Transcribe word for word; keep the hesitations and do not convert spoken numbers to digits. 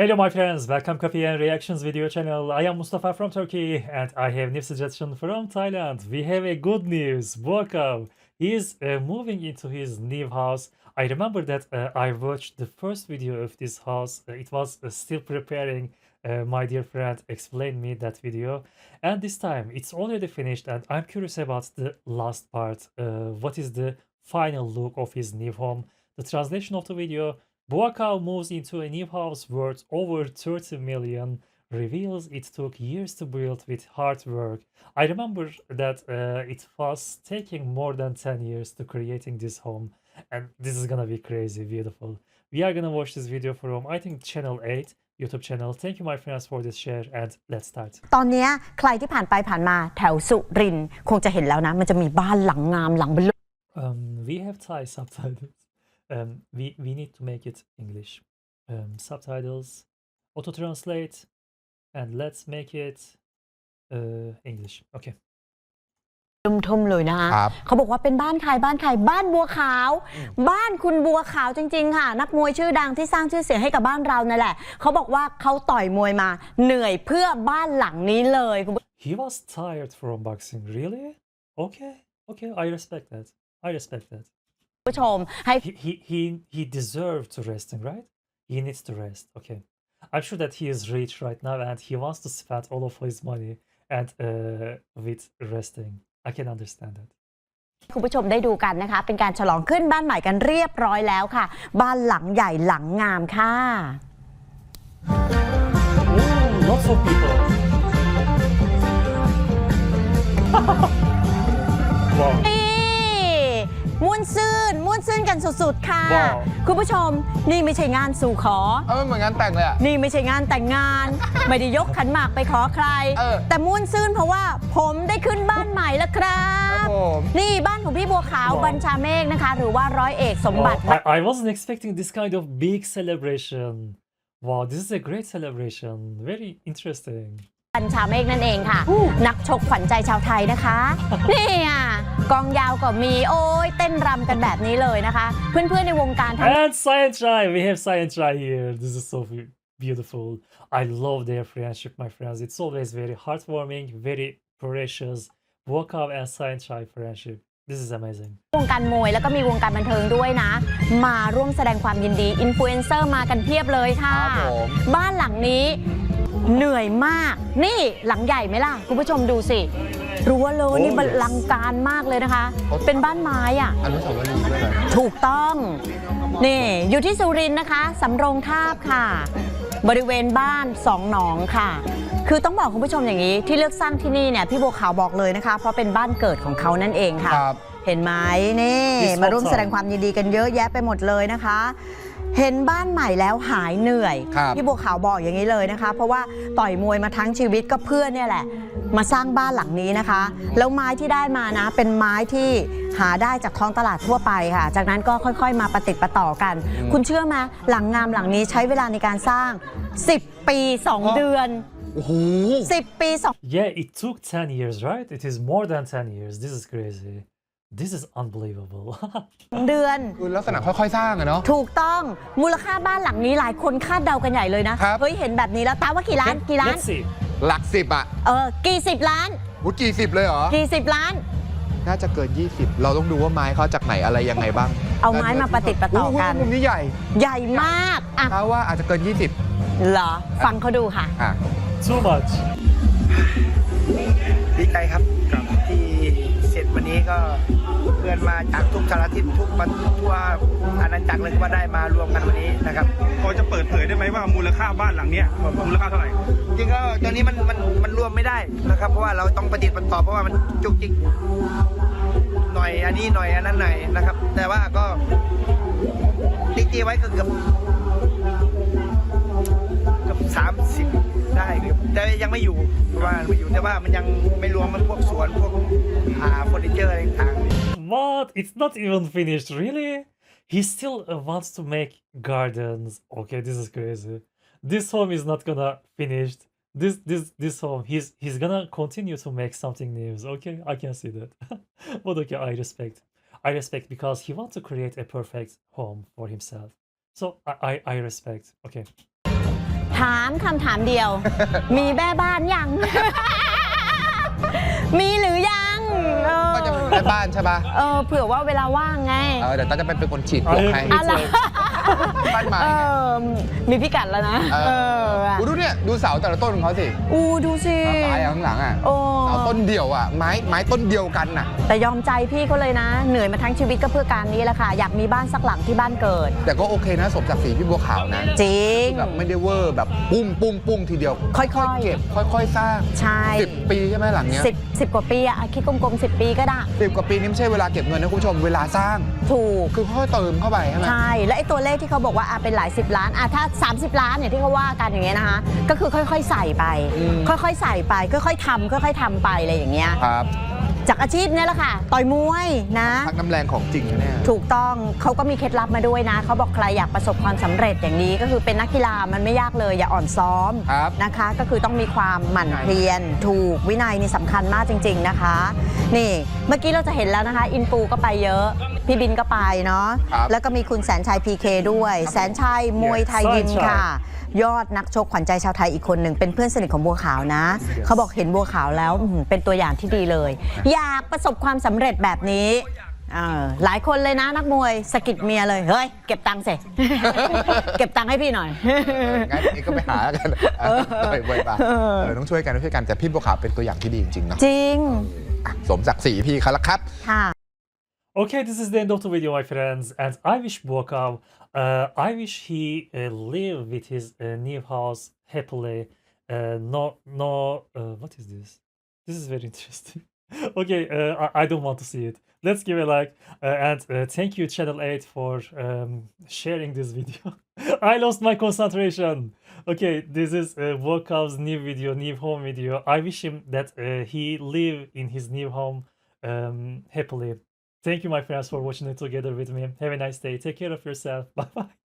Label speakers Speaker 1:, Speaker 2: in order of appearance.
Speaker 1: Hello my friends, welcome Coffee and Reactions video channel. I am Mustafa from Turkey and I have new suggestion from Thailand. We have a good news. Welcome. He is uh, moving into his new house. I remember that uh, I watched the first video of this house. Uh, it was uh, still preparing. Uh, my dear friend explained me that video, and this time it's already finished and I'm curious about the last part. Uh, what is the final look of his new home? The translation of the video: Buakaw moves into a new house worth over thirty million, reveals it took years to build with hard work. I remember that uh, it was taking more than ten years to creating this home, and this is gonna be crazy beautiful. We are gonna watch this video from, I think, channel eight YouTube channel. Thank you my friends for this share and let's start.
Speaker 2: ตอนเนี้ยใครที่ผ่านไปผ่านมาแถวสุรินทร์คงจะเห็นแล้วนะมันจะมีบ้านหลังงามหลังเบลอ
Speaker 1: Um, we have Thai subtitles. Um, we, we need to make it English. Um, subtitles, auto translate, and let's make it uh, English. Okay.
Speaker 2: ทุ่มๆเลยนะคะเขาบอกว่าเป็นบ้านใครบ้านใครบ้านบัวขาวบ้านคุณบัวขาวจริงๆค่ะนักมวยชื่อดังที่สร้างชื่อเสียงให้กับบ้านเรานั่นแหละเขาบอกว่าเขาต่อยมวยมาเหนื่อยเพื่อบ้านหลังนี้เลย
Speaker 1: He was tired from boxing, really? Okay, okay, I respect that. I respect that.
Speaker 2: ผู้ชมให้
Speaker 1: He he he, he deserved to resting, right? He needs to rest. Okay. I'm sure that he is rich right now and he wants to spend all of his money and uh, with resting. I can understand that.
Speaker 2: คุณผู้ชมได้ดูกันนะคะเป็นการฉลองขึ้นบ้านใหม่กันเรียบร้อยแล้วค่ะบ้านหลังใหญ่หลังงามค่ะ
Speaker 1: Ooh, lots of people. Wow.
Speaker 2: ม่วนซื่นม่วนซื่นกันสุดๆค่ะ
Speaker 1: Wow.
Speaker 2: คุณผู้ชมนี่ไม่ใช่งานสู่ขอ
Speaker 3: เออเหมือนงานแต่งเลยอ่ะ
Speaker 2: นี่ไม่ใช่งานแต่งงาน ไม่ได้ยกขันหมากไปขอใคร
Speaker 3: เออ
Speaker 2: แต่ม่วนซื่นเพราะว่าผมได้ขึ้นบ้านใหม่แล้วครับ
Speaker 3: ครับผม
Speaker 2: นี่บ้านของพี่บัวขาว
Speaker 1: Wow.
Speaker 2: บัญชาเมฆนะคะ หรือว่าร้อยเอกสมบัติ
Speaker 1: Wow, I, I wasn't expecting this kind of big celebration. Wow, this is a great celebration. Very interesting.
Speaker 2: บัญชาเมฆนั่นเองค่ะ นักชกขวัญใจชาวไทยนะคะ นี่อ่ะกองยาวก็มีโอ้ยเต้นรำกันแบบนี้เลยนะคะ เพื่อนๆในวงการทั้ง
Speaker 1: And Science Try, we have Science Try here. This is so be- beautiful. I love their friendship, my friends. It's always very heartwarming, very precious. Buakaw and Science Try friendship. This is amazing.
Speaker 2: วงการมวยแล้วก็มีวงการบันเทิงด้วยนะ มาร่วมแสดงความยินดีอินฟลูเอนเซอร์มากันเพียบเลยค่ะ
Speaker 3: ครับผม
Speaker 2: บ้านหลังนี้เหนื่อยมาก นี่หลังใหญ่ไหมล่ะ คุณผู้ชมดูสิรั้วเลยนี่
Speaker 1: Oh,
Speaker 2: บั
Speaker 1: yes.
Speaker 2: ลังการมากเลยนะคะ เป็นบ้านไม้อ่ะ
Speaker 3: อนุสาวรีย์ด้วยเหรอ
Speaker 2: ถูกต้อง นี่อยู่ที่สุรินทร์นะคะสำโรงทาบค่ะ บริเวณบ้านสองหนองค่ะ คือต้องบอกคุณผู้ชมอย่างนี้ที่เลือกสร้างที่นี่เนี่ยพี่บัวขาวบอกเลยนะคะ เพราะเป็นบ้านเกิดของเขานั่นเองค่ะ
Speaker 3: ครับ
Speaker 2: เห็นไหมนี่
Speaker 1: This
Speaker 2: มาร่วม
Speaker 1: hot
Speaker 2: แสดงความยินดีกันเยอะแยะไปหมดเลยนะคะ เห็นบ้านใหม่แล้วหายเหนื่อย
Speaker 3: ครับ
Speaker 2: พี่บัวขาวบอกอย่างนี้เลยนะคะ เพราะว่าต่อยมวยมาทั้งชีวิตก็เพื่อนเนี่ยแหละ มาสร้างบ้านหลังนี้นะคะ แล้วไม้ที่ได้มานะ เป็นไม้ที่หาได้จากท้องตลาดทั่วไปค่ะ จากนั้นก็ค่อยๆ มาประติดประต่อกัน คุณเชื่อไหมหลังงามหลังนี้ใช้เวลาในการสร้างสิบปีสองเดือน
Speaker 3: โอ้โห
Speaker 2: สิบปีสอง
Speaker 1: Yeah, it took ten years, right? It is more than ten years. This is crazy. This is unbelievable.
Speaker 2: เดือน
Speaker 3: คือลักษณะค่อยๆสร้างอะเนาะ
Speaker 2: ถูกต้องมูลค่าบ้านหลังนี้หลายคนคาดเดากันใหญ่เลยนะครับ เฮ้ยเห็นแบบนี้แล้วตาว่ากี่ล้านกี่ล้าน
Speaker 1: Let's see.
Speaker 3: หลักสิบอะ
Speaker 2: เออกี่สิบล้าน
Speaker 3: วุ้กี่สิบเลยเหรอ
Speaker 2: กี่สิบล้าน
Speaker 3: น่าจะเกินยี่สิบเราต้องดูว่าไม้เขาจากไหนอะไรยังไงบ้าง
Speaker 2: เอาไม้มาประติดประต่อกัน
Speaker 3: โโหมุมนี้ใหญ่
Speaker 2: ใหญ่มากอ่ะ
Speaker 3: ถ้าว่าอาจจะเกินยี่สิบ
Speaker 2: เหรอฟังเขาดูค่ะ
Speaker 3: อ่ะ
Speaker 1: Too much.
Speaker 4: ดีใจครับที่เสร็จวันนี้ก็เพื่อนมาจากทุกสารทิศทุกประทั่วอาณาจักรเลยก็ได้มารวมกันวันนี้นะครับ
Speaker 5: พอจะเปิดเผยได้ไหมว่ามูลค่าบ้านหลังเนี้ยมูลค่าเท่าไหร่
Speaker 4: จริงก็ตอนนี้มันมันมันรวมไม่ได้นะครับ เพราะว่าเราต้องปฏิบัติต่อเพราะว่ามันจุกจิกหน่อยอันนี้หน่อยอันนั้นหน่อยนะครับ แต่ว่าก็ติ๊กจีไว้ก็เกือบเกือบสามสิบได้เกือบแต่ยังไม่อยู่เพราะว่าไม่อยู่แต่ว่ามันยังไม่รวมมันพวกสวนพวกอ่าเฟอร์นิเจอร์อะไรต่างๆ
Speaker 1: What? It's not even finished, really? He still uh, wants to make gardens. Okay, this is crazy. This home is not gonna finish. This this this home, he's he's gonna continue to make something new. Okay, I can see that. But okay, I respect. I respect because he wants to create a perfect home for himself. So I I, I respect. Okay.
Speaker 2: ถามคำถามเดียว มีแม่บ้านยัง มีหรือยังเออ
Speaker 3: ก็จะเป็นแม่บ้านใช่ปะ
Speaker 2: เออเผื่อว่าเวลาว่างไง
Speaker 3: เออเดี๋ยวต้าจะเป็นเป็นคนฉีดปลวกให้
Speaker 2: อะไร
Speaker 3: บ้านไม้
Speaker 2: เออมีพิกัดแล้วนะ
Speaker 3: เอ
Speaker 2: เอ
Speaker 3: อ
Speaker 2: อ
Speaker 3: อูดูเนี่ยดูเสาแต่ละต้นของเขาสิ
Speaker 2: อูดูสิ
Speaker 3: ตายข้างหลังอ่ะ
Speaker 2: โอ้
Speaker 3: เสาต้นเดียวอ่ะไม้ไม้ต้นเดียวกันน่ะ
Speaker 2: แต่ยอมใจพี่เขาเลยนะ เหนื่อยมาทั้งชีวิตก็เพื่อการนี้แหละค่ะ อยากมีบ้านสักหลังที่บ้านเกิด
Speaker 3: แต่ก็โอเคนะสมศักดิ์ศรีพี่บัวขาวนะ
Speaker 2: จริง
Speaker 3: แบบไม่ได้เวอร์แบบปุ้มปุ้มปุ้มทีเดียว
Speaker 2: ค่อยๆ
Speaker 3: เก็บค่อยๆสร้าง
Speaker 2: ใช่
Speaker 3: สิบปีใช่ไหมหลังเนี้ย
Speaker 2: สิบสิบกว่าปีอะคิดกลมๆสิบปีก็ได้
Speaker 3: สิบกว่าปีนี่ไม่ใช่เวลาเก็บเงินนะคุณผู้ชมเวลาสร้าง
Speaker 2: ถูก
Speaker 3: คือค่อยๆเติมเข้าไปใช่ไหม
Speaker 2: ใช่ และไอ้ตัวเลขที่เขาบอกว่าอ่ะเป็นหลายสิบล้านอ่ะถ้า สามสิบ ล้านเนี่ยที่เขาว่ากันอย่างเงี้ยนะคะ ก็คือค่อยๆใส่ไป ค่อยๆใส่ไป ค่อยๆทำค่อยๆทำไปอะไรอย่างเงี้ย
Speaker 3: ครับ
Speaker 2: จากอาชีพเนี่ยแหละค่ะ ต่อยมวยนะ
Speaker 3: พักน้ำแรงของจริงนะเนี่ย
Speaker 2: ถูกต้องเขาก็มีเคล็ดลับมาด้วยนะ เขาบอกใครอยากประสบความสำเร็จอย่างนี้ก็คือเป็นนักกีฬามันไม่ยากเลย อย่าอ่อนซ้อม
Speaker 3: ครับ
Speaker 2: นะคะ ก็คือต้องมีความหมั่นเพียรถูกวินัยนี่สำคัญมากจริง ๆนะคะ นี่เมื่อกี้เราจะเห็นแล้วนะคะ อินฟูก็ไปเยอะ พี่บินก็ไปเนาะ
Speaker 3: ครับ
Speaker 2: แล้วก็มีคุณแสนชัยพีเคด้วย แสนชัยมวยไทยยิมค่ะ ยอดนักชกขวัญใจชาวไทยอีกคนหนึ่งเป็นเพื่อนสนิทของบัวขาวนะ เขาบอกเห็นบัวขาวแล้วอื้อหือเป็นตัวอย่างที่ดีเลย อยากประสบความสำเร็จแบบนี้เออหลายคนเลยนะนักมวยสะกิดเมียเลย เฮ้ย เก็บตังค์สิ เก็บตังค์ให้พี่หน่อย
Speaker 3: เอองั้นเองก็ไปหากันเออต่อยมวยมาเออต้องช่วยกันต้องช่วยกันแต่พี่บัวขาวเป็นตัวอย่างที่ดีจริงๆเนาะ
Speaker 2: จริง
Speaker 3: อ่ะสมศักดิ์ศรีพี่เขาละครับ
Speaker 2: ค่ะ
Speaker 1: Okay, this is the end of the video, my friends, and I wish Buakav, uh, I wish he uh, live with his uh, new house happily. Uh, no, no, uh, what is this? This is very interesting. Okay, uh, I, I don't want to see it. Let's give a like, uh, and uh, thank you, Channel eight, for um, sharing this video. I lost my concentration. Okay, this is uh, Buakav's new video, new home video. I wish him that uh, he live in his new home um, happily. Thank you, my friends, for watching it together with me. Have a nice day. Take care of yourself. Bye bye.